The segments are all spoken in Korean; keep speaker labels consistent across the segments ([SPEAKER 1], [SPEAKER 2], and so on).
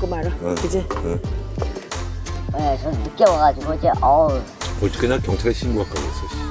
[SPEAKER 1] 먹고 말아. 그지?
[SPEAKER 2] 네, 저 늦게 와가지고 이제
[SPEAKER 3] 어저께 나 경찰에 신고할까 그랬어. 씨.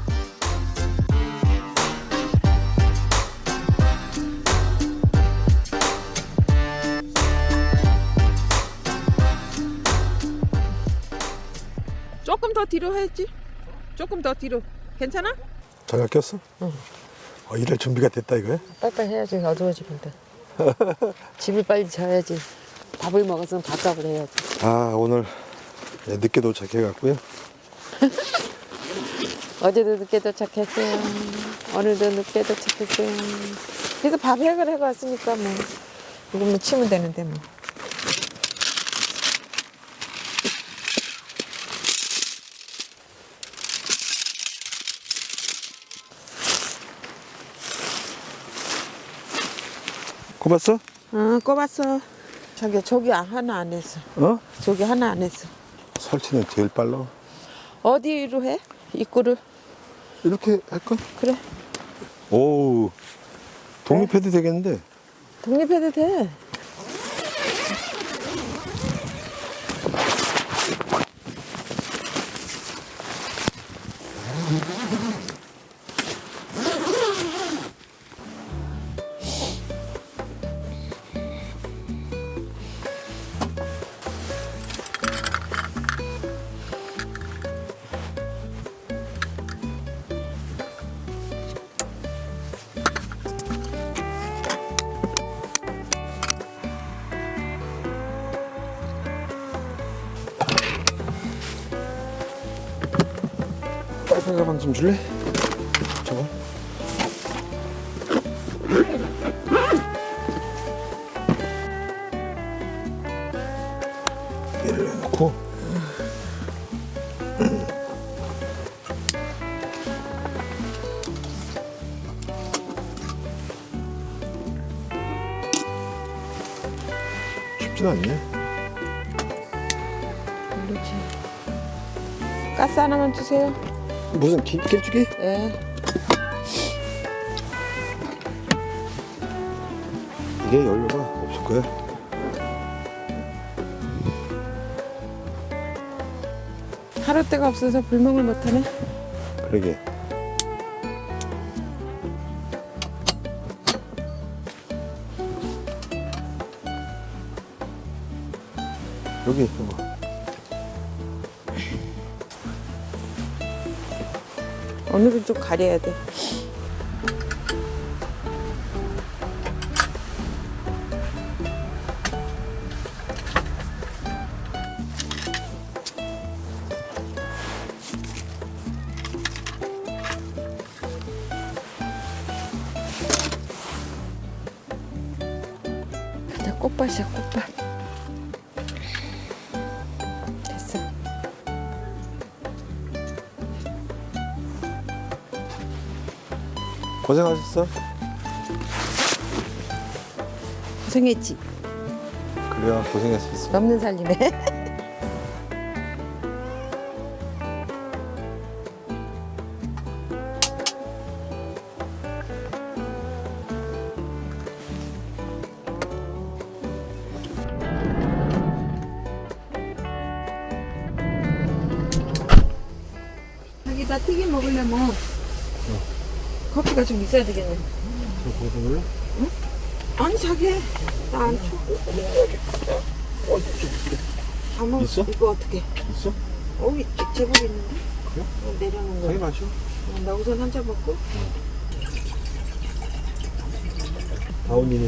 [SPEAKER 1] 조금 더 뒤로 해야지. 조금 더 뒤로. 괜찮아?
[SPEAKER 4] 장갑 꼈어?
[SPEAKER 1] 응.
[SPEAKER 4] 일할 준비가 됐다 이거야?
[SPEAKER 1] 빨리빨리 해야지. 어두워지는데. 집을 빨리 져야지. 밥을 먹었으면 밥값을 해야지.
[SPEAKER 4] 아 오늘 늦게 도착해갖고요.
[SPEAKER 1] 어제도 늦게 도착했어요. 오늘도 늦게 도착했어요. 그래서 밥 해결해 왔으니까 뭐 이거만 치면 되는데 뭐.
[SPEAKER 4] 꼽았어?
[SPEAKER 1] 꼽았어. 저기 하나 안 했어.
[SPEAKER 4] 어?
[SPEAKER 1] 저기 하나 안 했어.
[SPEAKER 4] 설치는 제일 빨라.
[SPEAKER 1] 어디로 해? 입구를.
[SPEAKER 4] 이렇게 할까?
[SPEAKER 1] 그래.
[SPEAKER 4] 오 독립해도 되겠는데?
[SPEAKER 1] 독립해도 돼.
[SPEAKER 4] 빨간 가방 좀 줄래? 저거? 얘를 넣고 춥진 않네.
[SPEAKER 1] 그렇지. 가스 하나만 주세요.
[SPEAKER 4] 무슨 길쭉이?
[SPEAKER 1] 예.
[SPEAKER 4] 이게 연료가 없을 거야.
[SPEAKER 1] 하루 때가 없어서 불멍을 못하네.
[SPEAKER 4] 그러게. 여기 뭐.
[SPEAKER 1] 오늘은 좀 가려야 돼. 그냥 꽃밭이야, 꽃밭. 됐어.
[SPEAKER 4] 고생하셨어?
[SPEAKER 1] 고생했지.
[SPEAKER 4] 그래야 고생했었어.
[SPEAKER 1] 넘는 살림에. 자기다 튀김 먹으려면 커피가 좀 있어야 되겠네.
[SPEAKER 4] 저 거기서 놀라?
[SPEAKER 1] 아니 자기 나안 쳐. 아마
[SPEAKER 4] 있어?
[SPEAKER 1] 이거 어떻게?
[SPEAKER 4] 있어?
[SPEAKER 1] 제법 있는데?
[SPEAKER 4] 그래?
[SPEAKER 1] 내려놓은 거.
[SPEAKER 4] 자기 마셔.
[SPEAKER 1] 나 우선 한 잔 먹고.
[SPEAKER 4] 다운이네.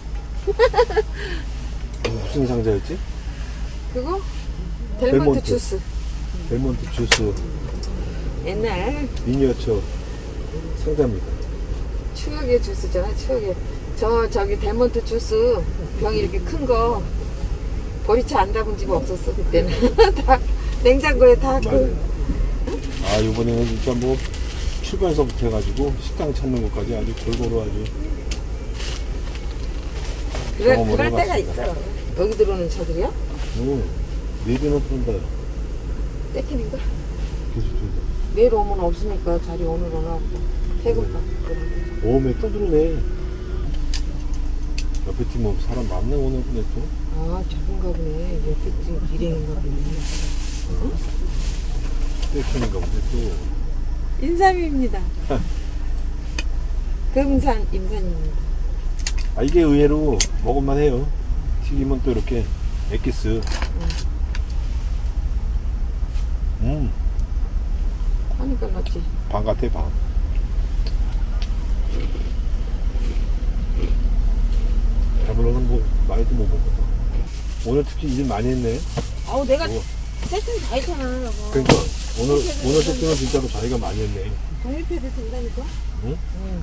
[SPEAKER 4] 무슨 상자였지?
[SPEAKER 1] 그거? 델몬트
[SPEAKER 4] 델몬트.
[SPEAKER 1] 주스.
[SPEAKER 4] 델몬트 주스
[SPEAKER 1] 옛날
[SPEAKER 4] 미니어처 상자입니다.
[SPEAKER 1] 추억의 주스잖아. 추억의. 저기 델몬트 주스 병이 이렇게 큰 거 보리차 안 담은 집 없었어 그때는. 다 냉장고에 다 그.
[SPEAKER 4] 아 이번에는 진짜 뭐 출발서부터 해가지고 식당 찾는 것까지 아주 골고루 아주 경험을
[SPEAKER 1] 그럴 때가
[SPEAKER 4] 해봤습니다.
[SPEAKER 1] 있어. 여기 들어오는 차들이야?
[SPEAKER 4] 내비는 뜬다.
[SPEAKER 1] 떼키는가?
[SPEAKER 4] 계속 뜬다.
[SPEAKER 1] 내일 오면 없으니까 자리 오늘 오나 보다. 퇴근가.
[SPEAKER 4] 오메 또 들어오네. 옆에 팀 뭐 사람 많네 오늘 근데 또.
[SPEAKER 1] 아, 저건가 보네. 옆에 지금 일행인가 보네.
[SPEAKER 4] 떼키는가 보네 또.
[SPEAKER 1] 인삼입니다. 금산 임산입니다.
[SPEAKER 4] 아 이게 의외로 먹을만 해요. 튀기면 또 이렇게 엑기스.
[SPEAKER 1] 하니까 맞지.
[SPEAKER 4] 방 같아 방. 배불러는 뭐 많이도 못 먹었다. 오늘 특히 일 많이 했네.
[SPEAKER 1] 아우, 내가
[SPEAKER 4] 우와.
[SPEAKER 1] 세팅 다 했잖아. 여보.
[SPEAKER 4] 그러니까 오늘 세팅은 진짜로 자기가 많이 했네.
[SPEAKER 1] 독립해도 된다니까?
[SPEAKER 4] 응?
[SPEAKER 1] 응.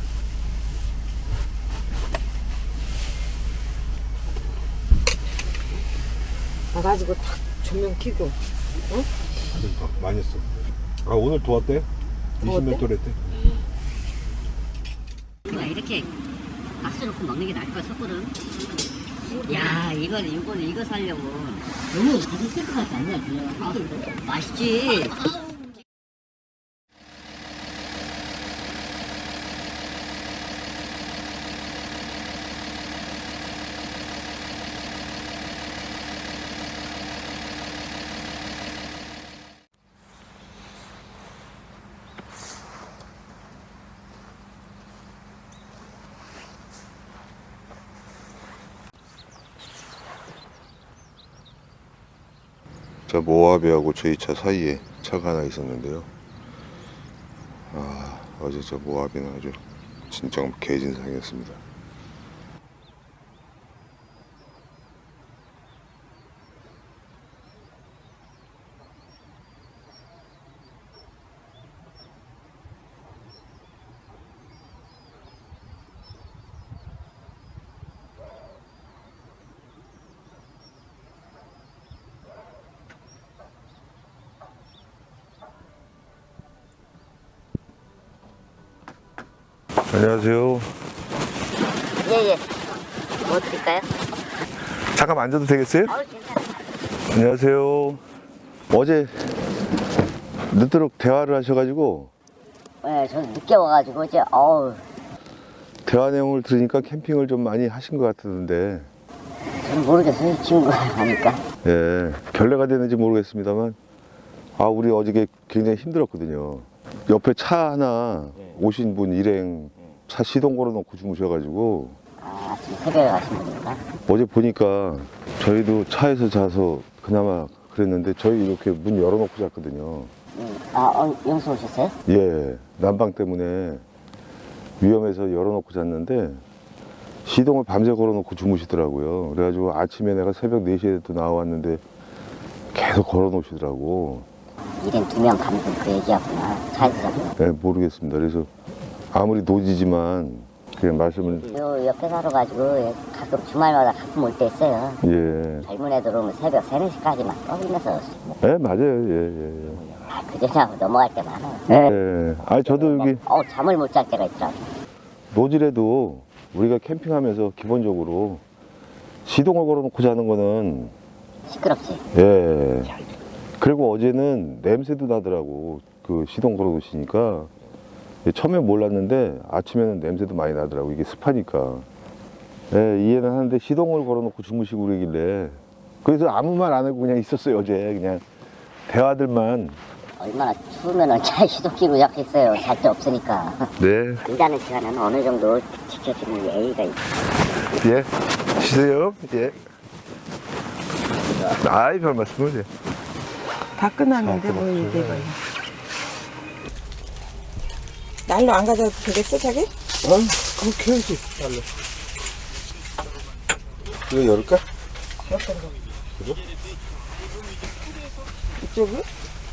[SPEAKER 1] 나가지고 탁 조명 켜고.
[SPEAKER 4] 그러니까 많이 했어. 아 오늘 도왔대? 20몇 돌 했대.
[SPEAKER 2] 이렇게 박수 놓고 먹는 게 나을 거야, 솥불은. 야, 이거 살려고. 너무 맛있을 것 같지 않냐, 그냥. 맛있지?
[SPEAKER 5] 자, 모하베하고 저희 차 사이에 차가 하나 있었는데요. 어제 저 모하베는 아주 진짜 개진상이었습니다. 안녕하세요.
[SPEAKER 2] 예. 뭐 드릴까요?
[SPEAKER 5] 잠깐 앉아도 되겠어요?
[SPEAKER 2] 괜찮아요.
[SPEAKER 5] 안녕하세요. 어제 늦도록 대화를 하셔가지고
[SPEAKER 2] 네, 저는 늦게 와가지고, 이제,
[SPEAKER 5] 대화 내용을 들으니까 캠핑을 좀 많이 하신 것 같은데,
[SPEAKER 2] 저는 모르겠어요. 친구가 하니까.
[SPEAKER 5] 예, 결례가 되는지 모르겠습니다만, 우리 어저께 굉장히 힘들었거든요. 옆에 차 하나 오신 분 일행 차 시동 걸어놓고 주무셔가지고,
[SPEAKER 2] 지금 새벽에 가신 분입니다.
[SPEAKER 5] 어제 보니까 저희도 차에서 자서 그나마 그랬는데, 저희 이렇게 문 열어놓고 잤거든요.
[SPEAKER 2] 영수 오셨어요?
[SPEAKER 5] 예, 난방 때문에 위험해서 열어놓고 잤는데 시동을 밤새 걸어놓고 주무시더라고요. 그래가지고 아침에 내가 새벽 4시에 또 나왔는데 계속 걸어놓으시더라고.
[SPEAKER 2] 일행 2명 가면 그 얘기하구나. 차에서 자고.
[SPEAKER 5] 네, 모르겠습니다. 그래서 아무리 노지지만 그냥 말씀을.
[SPEAKER 2] 요 옆에 살아가지고 가끔 주말마다 가끔 올 때 있어요.
[SPEAKER 5] 예.
[SPEAKER 2] 젊은 애들 오면 새벽 3, 4시까지 막 떠들면서.
[SPEAKER 5] 네, 맞아요. 예.
[SPEAKER 2] 그전하고 넘어갈 때 많아요.
[SPEAKER 5] 예. 저도 여기
[SPEAKER 2] 잠을 못 잘 때가 있더라고.
[SPEAKER 5] 노질에도 우리가 캠핑하면서 기본적으로 시동을 걸어놓고 자는 거는
[SPEAKER 2] 시끄럽지.
[SPEAKER 5] 예. 그리고 어제는 냄새도 나더라고. 그 시동 걸어놓으시니까. 처음에 몰랐는데 아침에는 냄새도 많이 나더라고. 이게 습하니까. 예, 이해는 하는데 시동을 걸어놓고 주무시고 그러길래. 그래서 아무 말 안 하고 그냥 있었어요, 어제. 그냥 대화들만.
[SPEAKER 2] 얼마나 추우면은 차 시동 끼고 잡겠어요. 잘 데 없으니까.
[SPEAKER 5] 네.
[SPEAKER 2] 일하는 시간은 어느 정도 지켜주는 예의가 있고.
[SPEAKER 5] 예. 쉬세요. 예. 아이, 별 말씀을 해.
[SPEAKER 1] 다 끝났는데 뭐 이게 봐. 날로 안 가져도 되겠어, 자기?
[SPEAKER 5] 그렇게 해야지. 이거 열을까?
[SPEAKER 1] 이쪽이?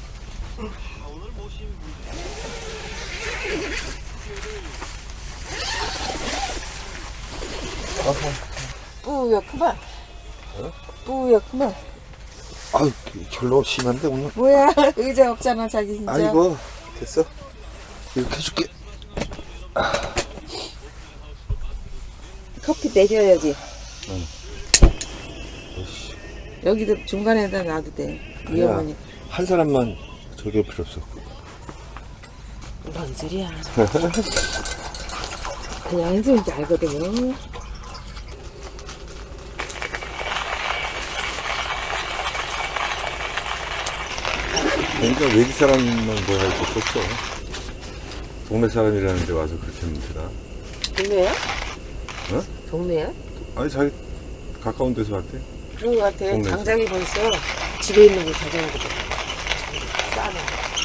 [SPEAKER 1] 뿌옇구만. 뿌옇구만.
[SPEAKER 5] 아유, 결로 심한데, 오늘.
[SPEAKER 1] 뭐야, 의자 없잖아, 자기 진짜.
[SPEAKER 5] 아이고, 됐어. 이렇게 해줄게.
[SPEAKER 1] 커피 내려야지. 여기도 중간에다 놔도 돼. 위험하니까.
[SPEAKER 5] 한 사람만 저기 필요 없어.
[SPEAKER 1] 뭔 소리야. 그냥 한숨인지 알거든요.
[SPEAKER 3] 그러니까 외지 사람만 뭐 할 것도 없어. 동네 사람이라는데 와서 그렇게 하면 되나?
[SPEAKER 1] 동네야?
[SPEAKER 3] 어?
[SPEAKER 1] 동네야?
[SPEAKER 3] 아니 자기 가까운 데서 왔대.
[SPEAKER 1] 그런 거 같아.
[SPEAKER 3] 동네에서.
[SPEAKER 1] 장작이 벌써 집에 있는 거 가져오거든. 싸네.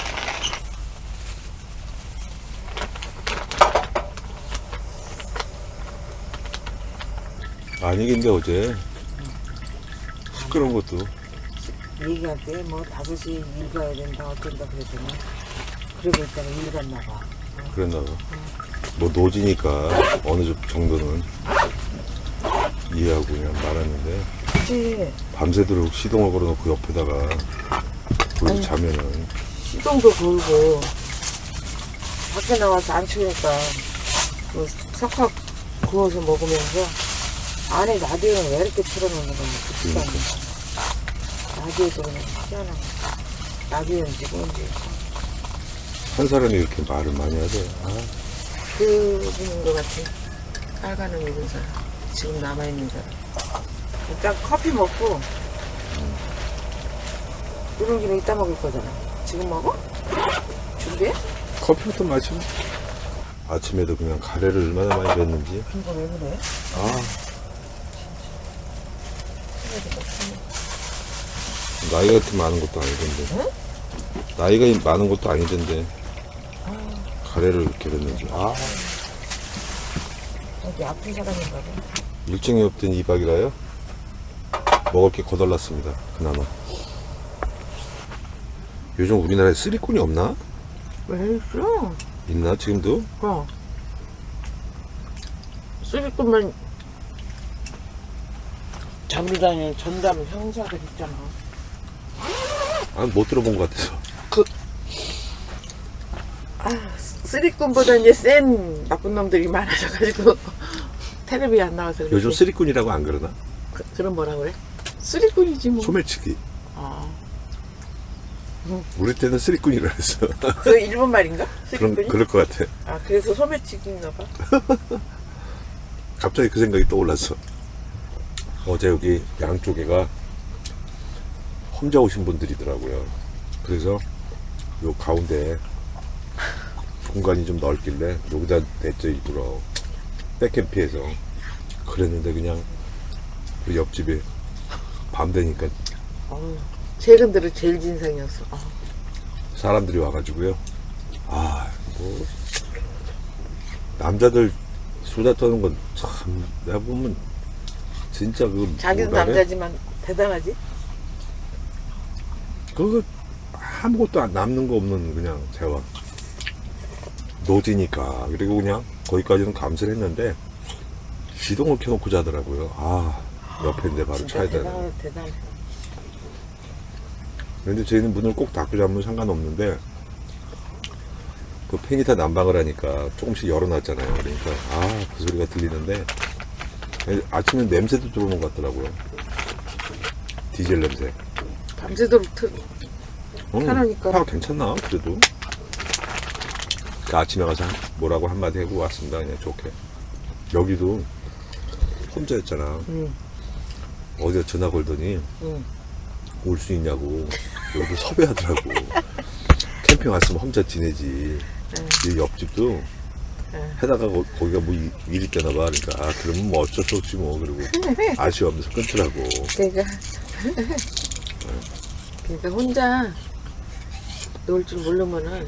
[SPEAKER 3] 아니 근데 어제 시끄러운 것도
[SPEAKER 1] 얘기할 때 뭐 5시 일 가야 된다 어쩐다 그랬더니 그러고 있다가 일 갔나 봐.
[SPEAKER 3] 그랬나 봐. 뭐 노지니까 어느 정도는 이해하고 그냥 말았는데
[SPEAKER 1] 그치.
[SPEAKER 3] 밤새도록 시동을 걸어놓고 옆에다가 거기서 자면은
[SPEAKER 1] 시동도 걸고 밖에 나와서 안 추우니까 그 석화 구워서 먹으면서 안에 라디오는 왜 이렇게 틀어놓는 거야. 그 시간에. 라디오도 그냥 희한하고 라디오인지 뭔지
[SPEAKER 3] 한 사람이 이렇게 말을 많이 하대. 아,
[SPEAKER 1] 그분인 것 같아. 빨간옷 입은 사람 지금 남아있는 사람 일단 커피 먹고 이런 김에 이따 먹을 거잖아. 지금 먹어? 준비해?
[SPEAKER 3] 커피부터 마시면 아침에도 그냥 가래를 얼마나 많이 줬는지.
[SPEAKER 1] 이거 왜 그래?
[SPEAKER 3] 아, 나이가 그렇게 많은 것도 아니던데. 나이가 많은 것도 아니던데. 가래를 이렇게 줬는지. 아,
[SPEAKER 1] 여기 아픈 사람인가 봐.
[SPEAKER 3] 일정이 없던 2박이라요. 먹을 게 거덜났습니다. 그나마. 요즘 우리나라에 쓰리꾼이 없나?
[SPEAKER 1] 왜 있어?
[SPEAKER 3] 있나 지금도?
[SPEAKER 1] 쓰리꾼만 잠이 다니는 전담 형사들 있잖아.
[SPEAKER 3] 아, 못 들어본 것 같아서.
[SPEAKER 1] 쓰리꾼보다 이제 센 나쁜 놈들이 많아져가지고 텔레비에 안 나와서 그렇지.
[SPEAKER 3] 요즘 쓰리꾼이라고 안 그러나?
[SPEAKER 1] 그럼 뭐라 그래? 쓰리꾼이지 뭐.
[SPEAKER 3] 소매치기.
[SPEAKER 1] 아,
[SPEAKER 3] 우리 때는 쓰리꾼이라 했어.
[SPEAKER 1] 그 일본 말인가? 쓰리꾼이?
[SPEAKER 3] 그럴 것 같아.
[SPEAKER 1] 아, 그래서 소매치기인가 봐.
[SPEAKER 3] 갑자기 그 생각이 떠올랐어. 어제 여기 양쪽에가 혼자 오신 분들이더라고요. 그래서 요 가운데 공간이 좀 넓길래 여기다 냈죠, 일부러. 백캠피해서. 그랬는데 그냥 그 옆집에 밤 되니까
[SPEAKER 1] 최근 들어 제일 진상이었어.
[SPEAKER 3] 사람들이 와가지고요. 아, 뭐 남자들 수다 떠는 건 참 내가 보면 진짜 그
[SPEAKER 1] 자기도
[SPEAKER 3] 뭐라 그래?
[SPEAKER 1] 남자지만 대단하지?
[SPEAKER 3] 그거 아무것도 남는 거 없는 그냥 대화. 노지니까. 그리고 그냥 거기까지는 감수를 했는데 시동을 켜놓고 자더라고요. 아, 옆에인데 바로
[SPEAKER 1] 진짜
[SPEAKER 3] 차야 되나.
[SPEAKER 1] 대단해.
[SPEAKER 3] 그런데 저희는 문을 꼭 닫고 자면 상관없는데 그 팬이 다 난방을 하니까 조금씩 열어놨잖아요. 그러니까 그 소리가 들리는데 아침에 냄새도 들어오는 것 같더라고요. 디젤 냄새.
[SPEAKER 1] 밤새도록 편하니까.
[SPEAKER 3] 괜찮나? 그래도. 그 아침에 가서 뭐라고 한마디 하고 왔습니다. 그냥 좋게. 여기도 혼자였잖아. 어디서 전화 걸더니 올 수 있냐고. 여기도 섭외하더라고. 캠핑 왔으면 혼자 지내지. 이 옆집도 해다가 거기가 뭐 일이 있다나 봐. 그러니까 그러면 뭐 어쩔 수 없지 뭐. 그리고 아쉬워하면서 끊더라고.
[SPEAKER 1] 그러니까 혼자 놀 줄 모르면은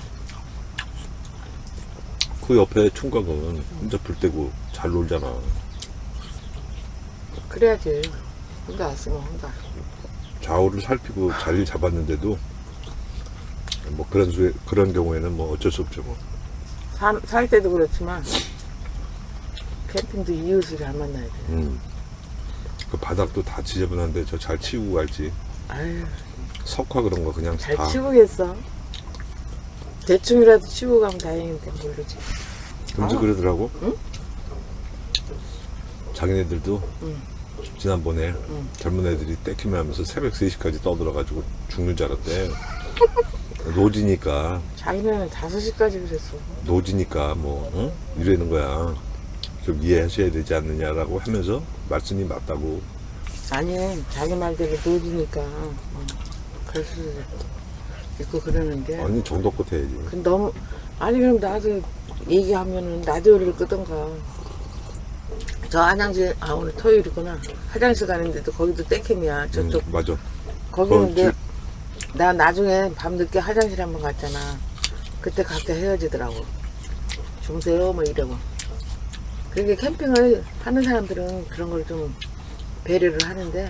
[SPEAKER 3] 그 옆에 총각은 혼자 불 떼고 잘 놀잖아.
[SPEAKER 1] 그래야지. 혼자 왔으면 혼자.
[SPEAKER 3] 좌우를 살피고 자리를 잡았는데도 뭐 그런 경우에는 뭐 어쩔 수 없죠 뭐.
[SPEAKER 1] 살 때도 그렇지만 캠핑도 이웃을 잘 만나야 돼.
[SPEAKER 3] 그 바닥도 다 지저분한데 저 잘 치우고 갈지.
[SPEAKER 1] 아유,
[SPEAKER 3] 석화 그런 거 그냥
[SPEAKER 1] 잘
[SPEAKER 3] 다.
[SPEAKER 1] 치우겠어. 대충이라도 치우고 가면 다행인데 모르지.
[SPEAKER 3] 금주 그러더라고.
[SPEAKER 1] 응?
[SPEAKER 3] 자기네들도 지난번에 젊은 애들이 떼키면 하면서 새벽 3시까지 떠들어가지고 죽는 줄 알았대. 노지니까.
[SPEAKER 1] 자기네는 5시까지 그랬어.
[SPEAKER 3] 노지니까 뭐 이러는 거야. 좀 이해하셔야 되지 않느냐라고 하면서 말씀이 맞다고.
[SPEAKER 1] 아니, 자기 말대로 노지니까. 그래서 있고 그러는데.
[SPEAKER 3] 아니 정도껏 해야지.
[SPEAKER 1] 그 너무 아니 그럼 나도 얘기하면은 라디오를 끄던가. 저 화장실 오늘 토요일이구나. 화장실 가는데도 거기도 땡캠이야. 저쪽
[SPEAKER 3] 맞아.
[SPEAKER 1] 거기는
[SPEAKER 3] 줄-
[SPEAKER 1] 나 나중에 밤늦게 화장실 한번 갔잖아. 그때 각자 헤어지더라고. 주무세요 뭐 이러고. 그러니까 캠핑을 하는 사람들은 그런 걸 좀 배려를 하는데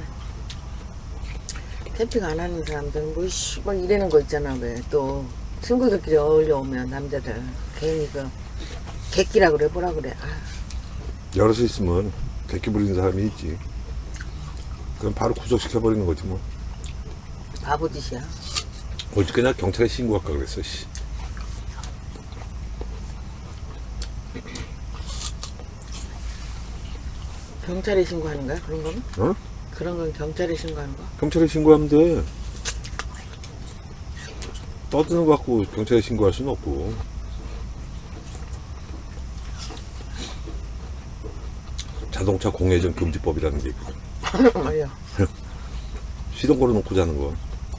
[SPEAKER 1] 캠핑 안 하는 사람들은 막 이러는 거 있잖아. 왜 또 친구들끼리 어울려 오면 남자들 괜히 그 객기라 그래 뭐라 그래.
[SPEAKER 3] 여럿이 있으면 객기 부리는 사람이 있지. 그럼 바로 구속시켜버리는 거지 뭐.
[SPEAKER 1] 바보짓이야.
[SPEAKER 3] 어저께 나 경찰에 신고할까 그랬어. 씨.
[SPEAKER 1] 경찰에 신고하는 거야 그런 거는?
[SPEAKER 3] 어?
[SPEAKER 1] 그런 건 경찰에 신고하는 거?
[SPEAKER 3] 경찰에 신고하면 돼. 떠드는 거 갖고 경찰에 신고할 수는 없고. 자동차 공회전 금지법이라는 게 있거든.
[SPEAKER 1] 맞아.
[SPEAKER 3] 시동 걸어놓고 자는 거.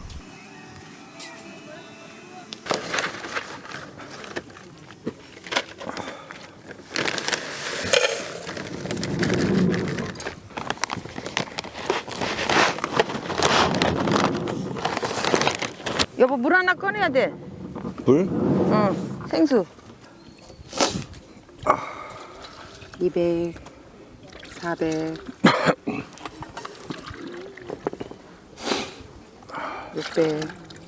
[SPEAKER 1] 여보 물 하나 꺼내야 돼.
[SPEAKER 3] 물?
[SPEAKER 1] 생수. 200, 400, 600.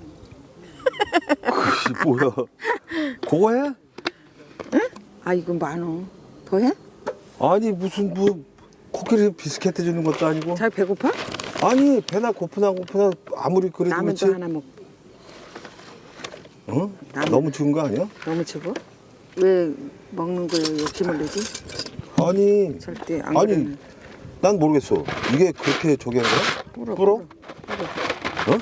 [SPEAKER 3] 뭐야? 그거 해?
[SPEAKER 1] 아 이건 많어. 더 해?
[SPEAKER 3] 아니 무슨 뭐 코끼리 비스켓 해주는 것도 아니고.
[SPEAKER 1] 잘 배고파?
[SPEAKER 3] 아니 배나 고프나 아무리 그래도 그렇지.
[SPEAKER 1] 라면도 하나 먹.
[SPEAKER 3] 어?
[SPEAKER 1] 라면.
[SPEAKER 3] 너무 추운 거 아니야?
[SPEAKER 1] 너무 추워? 왜 먹는 거에 욕심을 내지?
[SPEAKER 3] 아니
[SPEAKER 1] 절대 안
[SPEAKER 3] 아니
[SPEAKER 1] 그러네.
[SPEAKER 3] 난 모르겠어. 이게 그렇게 저기 하는 거야? 불어? 어?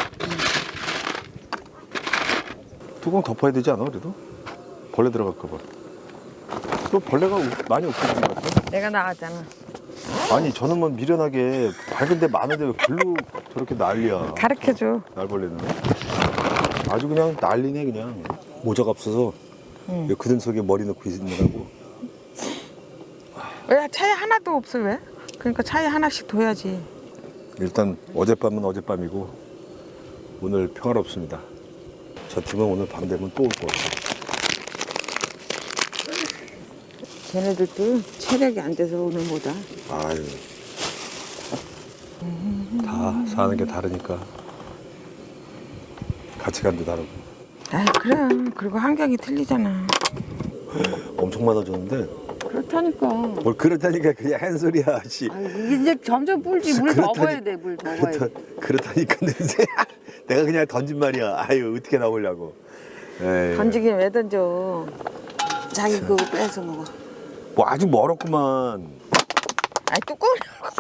[SPEAKER 3] 뚜껑 덮어야 되지 않아 그래도? 벌레 들어갈까 봐. 또 벌레가 많이 없어진 것 같아.
[SPEAKER 1] 내가 나왔잖아.
[SPEAKER 3] 아니 저놈은 미련하게 밝은데 많은데 왜 글로 저렇게 난리야.
[SPEAKER 1] 가르쳐줘.
[SPEAKER 3] 날벌레는 아주 그냥 난리네 그냥. 모자가 없어서 이 그등 속에 머리 넣고 있느라고.
[SPEAKER 1] 왜 차에 하나도 없어 왜? 그러니까 차에 하나씩 둬야지.
[SPEAKER 3] 일단 어젯밤은 어젯밤이고 오늘 평화롭습니다. 저 팀은 오늘 밤 되면 또 올 것 같아.
[SPEAKER 1] 걔네들도 체력이 안 돼서 오늘 못와.
[SPEAKER 3] 아유 다 사는 게 다르니까 가치관도 다르고.
[SPEAKER 1] 아 그래. 그리고 환경이 틀리잖아.
[SPEAKER 3] 엄청 많아졌는데
[SPEAKER 1] 그렇다니까.
[SPEAKER 3] 뭘 그렇다니까 그냥 한 소리야. 씨.
[SPEAKER 1] 아, 이제 점점 불지. 물 더
[SPEAKER 3] 그렇다니-
[SPEAKER 1] 부어야 돼. 물 더 부어야 돼.
[SPEAKER 3] 그렇다니까 냄새. 내가 그냥 던진 말이야. 아유 어떻게 나오려고. 에이.
[SPEAKER 1] 던지긴 왜 던져. 자기 그거 뺏어 먹어.
[SPEAKER 3] 뭐 아직 멀었구만.
[SPEAKER 1] 아이 뚜껑을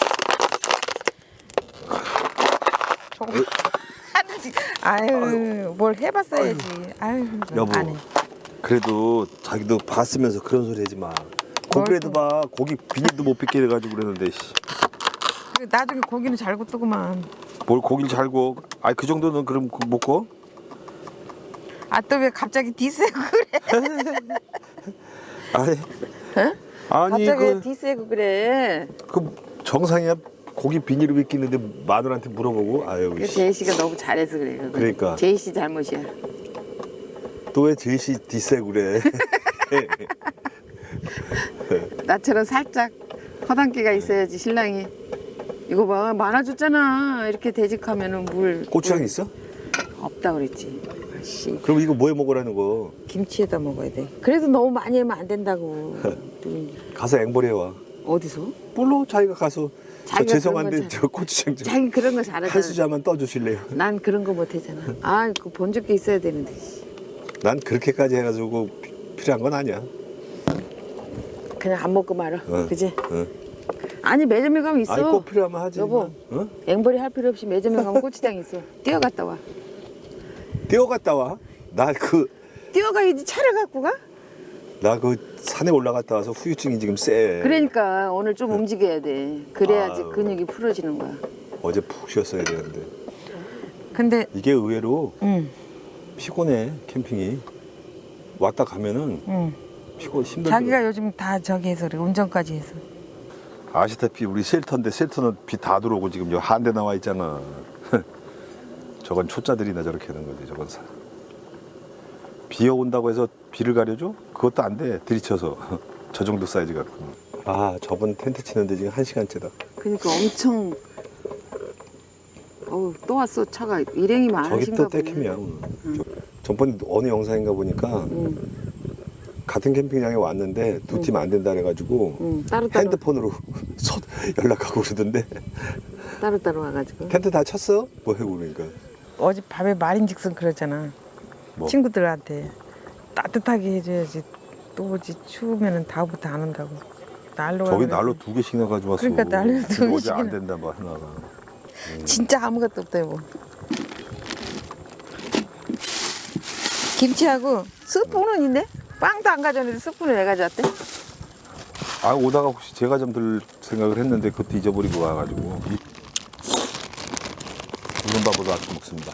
[SPEAKER 1] 저거 하는지. 아유 뭘 해봤어야지. 아유
[SPEAKER 3] 여보.
[SPEAKER 1] 안 해.
[SPEAKER 3] 그래도 자기도 봤으면서 그런 소리 하지 마. 고기라도 봐. 고기 비닐도 못 빗게 해가지고 그러는데. 씨.
[SPEAKER 1] 그리고 나중에 고기는 잘 굽더구만.
[SPEAKER 3] 뭘 고기를 잘 구워. 아니 그 정도는 그럼 못 구워?
[SPEAKER 1] 아 또 왜 갑자기 디스고 그래?
[SPEAKER 3] 아니. 아니
[SPEAKER 1] 갑자기 왜 디스고 그래?
[SPEAKER 3] 그 정상이야. 고기 비닐을 빗기는데 마누라한테 물어보고. 아유.
[SPEAKER 1] 그
[SPEAKER 3] 씨.
[SPEAKER 1] 제이 씨가 너무 잘해서 그래. 그거.
[SPEAKER 3] 그러니까.
[SPEAKER 1] 제이 씨 잘못이야.
[SPEAKER 3] 또 왜 제시 디스고 그래?
[SPEAKER 1] 나처럼 살짝 허당기가 있어야지 신랑이. 이거 봐 많아졌잖아. 이렇게 되직하면은 물.
[SPEAKER 3] 고추장
[SPEAKER 1] 물
[SPEAKER 3] 있어?
[SPEAKER 1] 없다 그랬지. 아씨
[SPEAKER 3] 그럼 이거 뭐해 먹으라는 거?
[SPEAKER 1] 김치에다 먹어야 돼. 그래도 너무 많이 하면 안 된다고.
[SPEAKER 3] 가서 앵벌해 와.
[SPEAKER 1] 어디서?
[SPEAKER 3] 물론 자기가 가서 저
[SPEAKER 1] 자기가
[SPEAKER 3] 죄송한데
[SPEAKER 1] 그런 거
[SPEAKER 3] 저 고추장 좀
[SPEAKER 1] 자기 그런 거 잘하잖아.
[SPEAKER 3] 한 수저만 떠주실래요?
[SPEAKER 1] 난 그런 거 못하잖아. 아, 그 본죽게 있어야 되는데.
[SPEAKER 3] 난 그렇게까지 해가지고 필요한 건 아니야.
[SPEAKER 1] 그냥 안 먹고 말아.
[SPEAKER 3] 응.
[SPEAKER 1] 그지?
[SPEAKER 3] 응.
[SPEAKER 1] 아니 매점에 가면 있어.
[SPEAKER 3] 아니 꼭 필요하면 하지.
[SPEAKER 1] 여보.
[SPEAKER 3] 어?
[SPEAKER 1] 앵벌이 할 필요 없이 매점에 가면 고추장 있어. 뛰어갔다 와.
[SPEAKER 3] 뛰어갔다 와. 나 그
[SPEAKER 1] 뛰어가야지 차를 갖고 가?
[SPEAKER 3] 산에 올라갔다 와서 후유증이 지금 세.
[SPEAKER 1] 그러니까 오늘 좀 움직여야 돼. 그래야지
[SPEAKER 3] 아유.
[SPEAKER 1] 근육이 풀어지는 거야.
[SPEAKER 3] 어제 푹 쉬었어야 되는데.
[SPEAKER 1] 근데
[SPEAKER 3] 이게 의외로 피곤해 캠핑이. 왔다 가면은
[SPEAKER 1] 응.
[SPEAKER 3] 힘들어.
[SPEAKER 1] 자기가 요즘 다 저기 해서 그래. 운전까지 해서.
[SPEAKER 5] 아시다시피 우리 쉘터인데 쉘터는 비 다 들어오고 지금 여기 한 대 나와 있잖아. 저건 초짜들이나 저렇게 하는 거지. 저건 비 온다고 해서 비를 가려줘? 그것도 안 돼. 들이쳐서 저 정도 사이즈 갖고. 아 저번 텐트 치는데 지금 1시간째다.
[SPEAKER 1] 그러니까 엄청. 어우 또 왔어 차가 일행이
[SPEAKER 5] 저기
[SPEAKER 1] 많으신가
[SPEAKER 5] 또
[SPEAKER 1] 보네.
[SPEAKER 5] 떼킴이야 오늘. 전번 어느 영상인가 보니까 같은 캠핑장에 왔는데 두 팀 안 된다 그래가지고
[SPEAKER 1] 따로
[SPEAKER 5] 핸드폰으로 연락하고 그러던데
[SPEAKER 1] 따로 와가지고.
[SPEAKER 5] 텐트 다 쳤어? 뭐 하고 그러니까
[SPEAKER 1] 어젯밤에 말인즉슨 그러잖아.
[SPEAKER 5] 뭐?
[SPEAKER 1] 친구들한테 따뜻하게 해줘야지. 또 오지 추우면은 다음부터 안 온다고. 난로
[SPEAKER 5] 저기
[SPEAKER 1] 가면서.
[SPEAKER 5] 난로 2개씩이나 가져왔어.
[SPEAKER 1] 그러니까 난로 두
[SPEAKER 5] 근데 어제
[SPEAKER 1] 개씩이나.
[SPEAKER 5] 안 된다 뭐 하나가.
[SPEAKER 1] 진짜 아무것도 없대요. 뭐. 김치하고 스프는 있네. 빵도 안 가져왔는데 스프는 왜 가져왔대?
[SPEAKER 5] 아 오다가 혹시 제가 좀 들 생각을 했는데 그것도 잊어버리고 와가지고 우른밥으로 아침 먹습니다.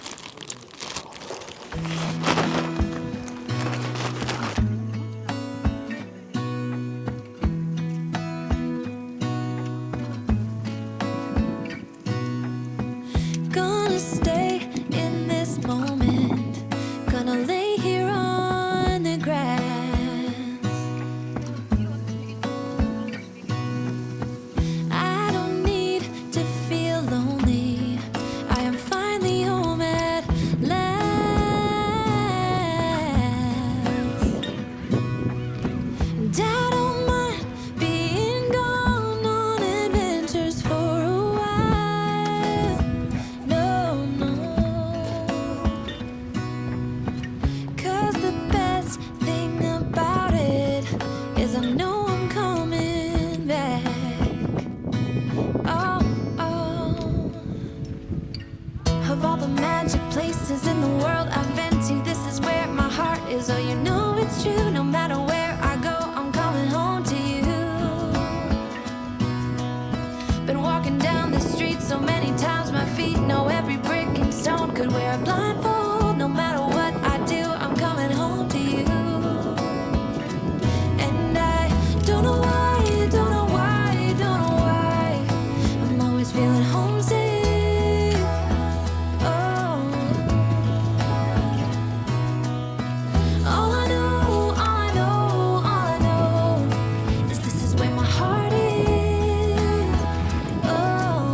[SPEAKER 6] Gonna stay in this moment. Gonna lay here on the grass. I don't need to feel lonely. I am finally home at last. And I don't mind being gone on adventures for a while. No, no. 'Cause the best thing about it is I know I'm coming back. Oh, oh. Of all the magic places in the world I've been to, this is where my heart is. Oh, you know it's true. No matter where I go, I'm coming home to you. Been walking down the street so many times, my feet know every brick and stone. Could wear a blindfold, no matter what I do, I'm coming home to you. And I don't know why, don't know why, don't know why, I'm always feeling homesick. Oh, all I know, all I know, all I know is this is where my heart is. Oh,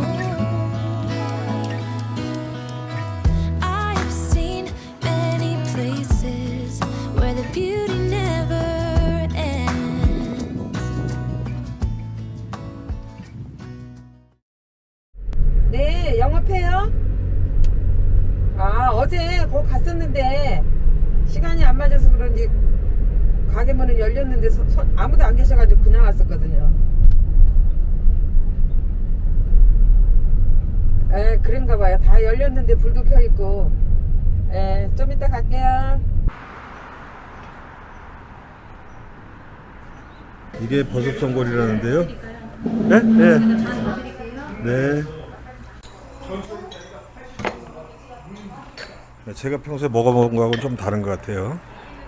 [SPEAKER 6] I have seen many places where the beauty never ends.
[SPEAKER 1] 네, 영업해요? 아, 어제 거기 갔었는데 시간이 안 맞아서 그런지 가게 문은 열렸는데 아무도 안 계셔가지고 그냥 왔었거든요. 에, 그런가 봐요. 다 열렸는데 불도 켜있고. 에, 좀 이따 갈게요.
[SPEAKER 3] 이게 버섯 전골이라는데요? 네? 네. 네. 제가 평소에 먹어본 거하고는 좀 다른 것 같아요.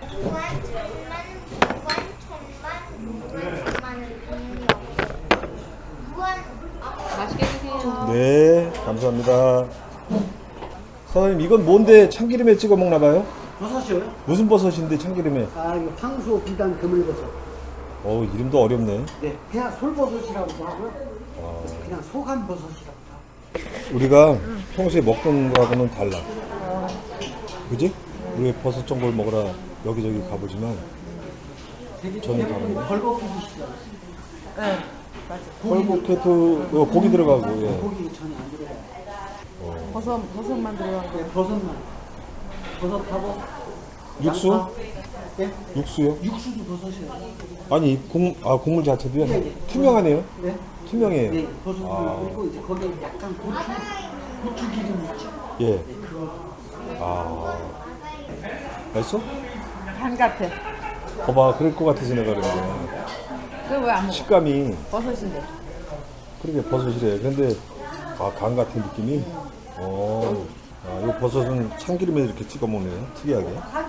[SPEAKER 3] 네, 감사합니다. 사장님, 이건 뭔데 참기름에 찍어 먹나 봐요?
[SPEAKER 7] 버섯이요?
[SPEAKER 3] 무슨 버섯인데 참기름에?
[SPEAKER 7] 아, 이거 황소 비단 그물버섯.
[SPEAKER 3] 이름도 어렵네.
[SPEAKER 7] 네, 그냥 솔버섯이라고도 하고요. 그냥 소간 버섯이라고도 하고.
[SPEAKER 3] 우리가 평소에 먹던 거하고는 달라. 그지? 우리 버섯 전골 먹으러 여기저기 가보지만 저는 다른데.
[SPEAKER 7] 벌거푸기시죠?
[SPEAKER 1] 네, 맞아.
[SPEAKER 3] 헐복해도 고기 들어가고. 예.
[SPEAKER 7] 고기 전혀 안 들어가요.
[SPEAKER 1] 버섯만 들어간 거.
[SPEAKER 7] 네, 버섯만. 버섯하고
[SPEAKER 3] 육수?
[SPEAKER 7] 양파. 네?
[SPEAKER 3] 육수요?
[SPEAKER 7] 육수도 버섯이에요.
[SPEAKER 3] 아니 국물 자체도요?
[SPEAKER 7] 네, 네.
[SPEAKER 3] 투명하네요?
[SPEAKER 7] 네.
[SPEAKER 3] 투명해요.
[SPEAKER 7] 네, 버섯을 넣고 이제 거기에 약간 고추 기름 있죠?
[SPEAKER 3] 예.
[SPEAKER 7] 네, 그거.
[SPEAKER 3] 맛있어?
[SPEAKER 1] 간 같아.
[SPEAKER 3] 봐봐, 그럴 것 같아서 내가 그런 거야.
[SPEAKER 1] 그거 왜 안 먹어?
[SPEAKER 3] 식감이
[SPEAKER 1] 버섯인데.
[SPEAKER 3] 그렇게 버섯이래. 근데 간 같은 느낌이. 이 버섯은 참기름에 이렇게 찍어 먹네요. 특이하게.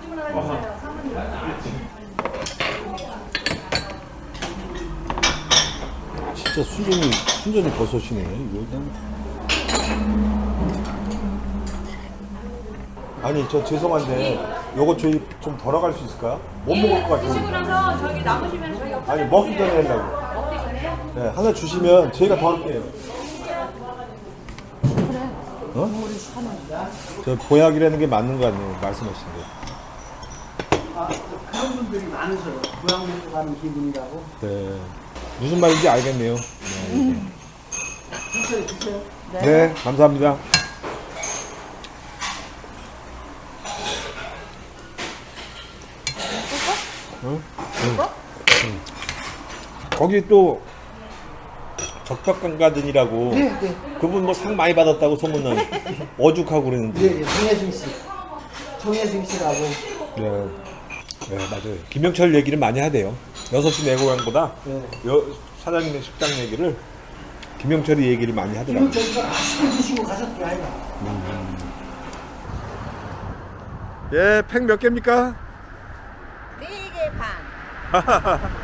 [SPEAKER 3] 진짜 순전히 버섯이네. 이거 그냥. 아니 저 죄송한데 요거 저희 좀 덜어갈 수 있을까요? 못 먹을 것 같아요.
[SPEAKER 8] 드시고 나서 저기 남으시면 저희가
[SPEAKER 3] 아니 먹기 전에 하려고.
[SPEAKER 8] 먹기 전에
[SPEAKER 3] 네, 하나 주시면 저희가 덜을게요. 어? 저 보약이라는 게 맞는 거 아니에요? 말씀하신 게.
[SPEAKER 7] 그런 분들이 많으셔요. 고향 먹고 가는 기분이라고.
[SPEAKER 3] 네. 무슨 말인지 알겠네요.
[SPEAKER 7] 드세요, 드세요.
[SPEAKER 3] 네, 감사합니다. 응? 응. 거기 또 적벽강가든이라고
[SPEAKER 7] 네.
[SPEAKER 3] 그분 뭐 상 많이 받았다고 소문난 어죽하고 그러는데.
[SPEAKER 7] 예, 정혜승 씨. 정혜승 씨라고.
[SPEAKER 3] 네. 네, 맞아요. 김영철 얘기를 많이 하대요. 6시 내고향보다
[SPEAKER 7] 네.
[SPEAKER 3] 사장님의 식당 얘기를 김영철이 얘기를 많이 하더라고요.
[SPEAKER 7] 이거 저희가 맛있게 드시고 가셨대, 아이가.
[SPEAKER 3] 예, 팩 몇 개입니까?
[SPEAKER 2] 4개 반.